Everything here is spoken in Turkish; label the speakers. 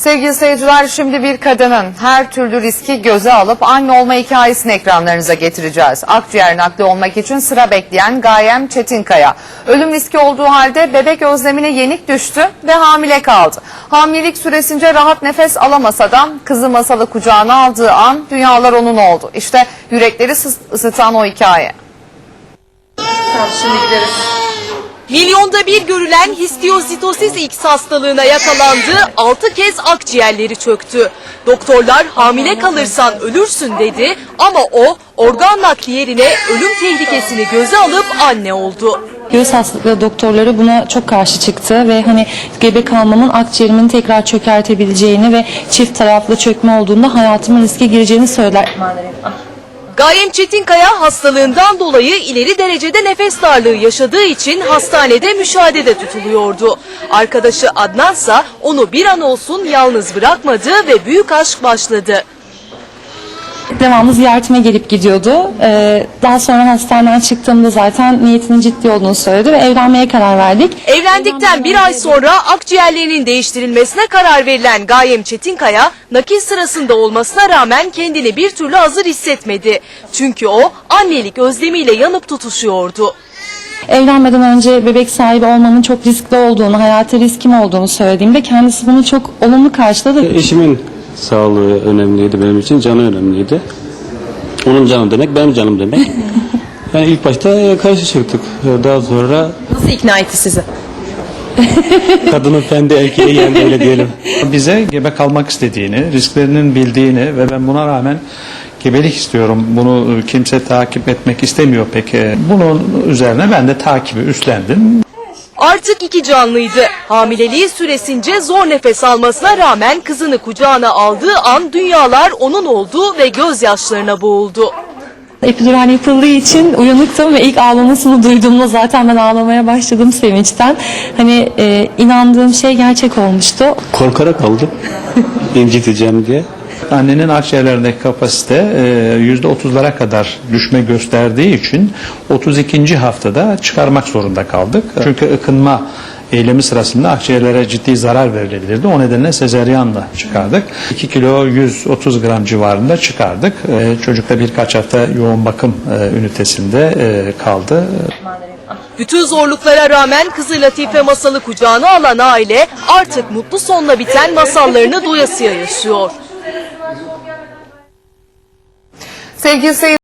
Speaker 1: Sevgili seyirciler, şimdi bir kadının her türlü riski göze alıp anne olma hikayesini ekranlarınıza getireceğiz. Akciğer nakli olmak için sıra bekleyen Gayem Çetinkaya. Ölüm riski olduğu halde bebek özlemine yenik düştü ve hamile kaldı. Hamilelik süresince rahat nefes alamasa da kızı Masal'ı kucağına aldığı an dünyalar onun oldu. İşte yürekleri ısıtan o hikaye.
Speaker 2: Şimdi gideriz.
Speaker 3: Milyonda bir görülen histiyositosis X hastalığına yakalandı, 6 kez akciğerleri çöktü. Doktorlar hamile kalırsan ölürsün dedi ama o organ nakli yerine ölüm tehlikesini göze alıp anne oldu.
Speaker 2: Göğüs hastalıkları doktorları buna çok karşı çıktı ve gebe kalmamın akciğerimin tekrar çökertebileceğini ve çift taraflı çökme olduğunda hayatımın riske gireceğini söyler.
Speaker 3: Gayem Çetinkaya hastalığından dolayı ileri derecede nefes darlığı yaşadığı için hastanede müşahedede tutuluyordu. Arkadaşı Adnansa onu bir an olsun yalnız bırakmadı ve büyük aşk başladı.
Speaker 2: Devamlı ziyaretime gelip gidiyordu. Daha sonra hastaneden çıktığımda zaten niyetinin ciddi olduğunu söyledi ve evlenmeye karar verdik.
Speaker 3: Evlendikten bir ay sonra akciğerlerinin değiştirilmesine karar verilen Gayem Çetinkaya, nakil sırasında olmasına rağmen kendini bir türlü hazır hissetmedi. Çünkü o annelik özlemiyle yanıp tutuşuyordu.
Speaker 2: Evlenmeden önce bebek sahibi olmamın çok riskli olduğunu, hayati riskim olduğunu söylediğimde kendisi bunu çok olumlu karşıladı.
Speaker 4: Eşimin sağlığı önemliydi benim için, canı önemliydi. Onun canı demek, benim canım demek. Yani ilk başta karşı çıktık. Daha sonra
Speaker 3: Nasıl ikna etti sizi?
Speaker 4: kadının fendi erkeği yendi, öyle diyelim.
Speaker 5: Bize gebe kalmak istediğini, risklerinin bildiğini ve ben buna rağmen gebelik istiyorum. Bunu kimse takip etmek istemiyor pek. Bunun üzerine ben de takibi üstlendim.
Speaker 3: Artık iki canlıydı. Hamileliği süresince zor nefes almasına rağmen kızını kucağına aldığı an dünyalar onun oldu ve gözyaşlarına boğuldu.
Speaker 2: Epidural yapıldığı için uyanıktım ve ilk ağlamasını duyduğumda zaten ben ağlamaya başladım sevinçten. İnandığım şey gerçek olmuştu.
Speaker 4: Korkarak aldım, inciteceğim diye.
Speaker 5: Annenin akciğerlerindeki kapasite %30'lara kadar düşme gösterdiği için 32. haftada çıkarmak zorunda kaldık. Çünkü ıkınma eylemi sırasında akciğerlere ciddi zarar verilebilirdi. O nedenle sezeryanla çıkardık. 2 kilo 130 gram civarında çıkardık. Çocuk da birkaç hafta yoğun bakım ünitesinde kaldı.
Speaker 3: Bütün zorluklara rağmen kızı Latife Masal'ı kucağına alan aile artık mutlu sonla biten masallarını doyasıya yaşıyor.
Speaker 1: Sevgili seyirciler,